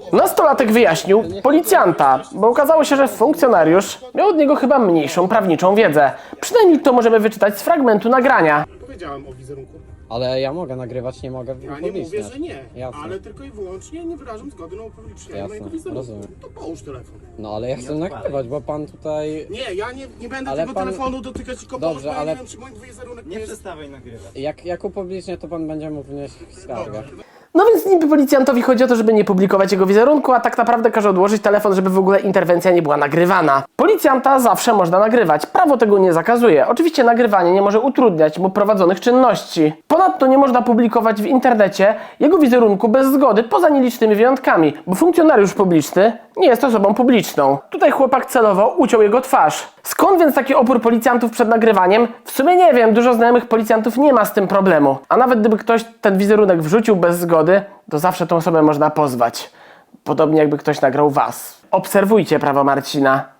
Nastolatek wyjaśnił policjanta, bo okazało się, że funkcjonariusz miał od niego chyba mniejszą prawniczą wiedzę. Przynajmniej to możemy wyczytać z fragmentu nagrania. Powiedziałem o wizerunku. Ale ja mogę nagrywać, nie mogę Ja nie mówię, upubliczniać. że nie, Jasne. ale tylko i wyłącznie nie wyrażam zgody na upublicznienie Jasne, mojego wizerunku. rozumiem. To połóż telefon. No ale ja chcę nagrywać, bo pan tutaj... Nie, ja nie będę Ale tego pan- telefonu dotykać, tylko Dobrze, połóż, bo ja ale- nie wiem, czy mój wizerunek Nie jest... przestawaj nagrywać. Jak upublicznię, to pan będzie mógł wnieść skargę. No więc niby policjantowi chodzi o to, żeby nie publikować jego wizerunku, a tak naprawdę każe odłożyć telefon, żeby w ogóle interwencja nie była nagrywana. Policjanta zawsze można nagrywać, prawo tego nie zakazuje. Oczywiście nagrywanie nie może utrudniać mu prowadzonych czynności. Ponadto nie można publikować w internecie jego wizerunku bez zgody, poza nielicznymi wyjątkami, bo funkcjonariusz publiczny nie jest osobą publiczną. Tutaj chłopak celowo uciął jego twarz. Skąd więc taki opór policjantów przed nagrywaniem? W sumie nie wiem, dużo znajomych policjantów nie ma z tym problemu. A nawet gdyby ktoś ten wizerunek wrzucił bez zgody, to zawsze tą osobę można pozwać. Podobnie jakby ktoś nagrał was. Obserwujcie prawo Marcina.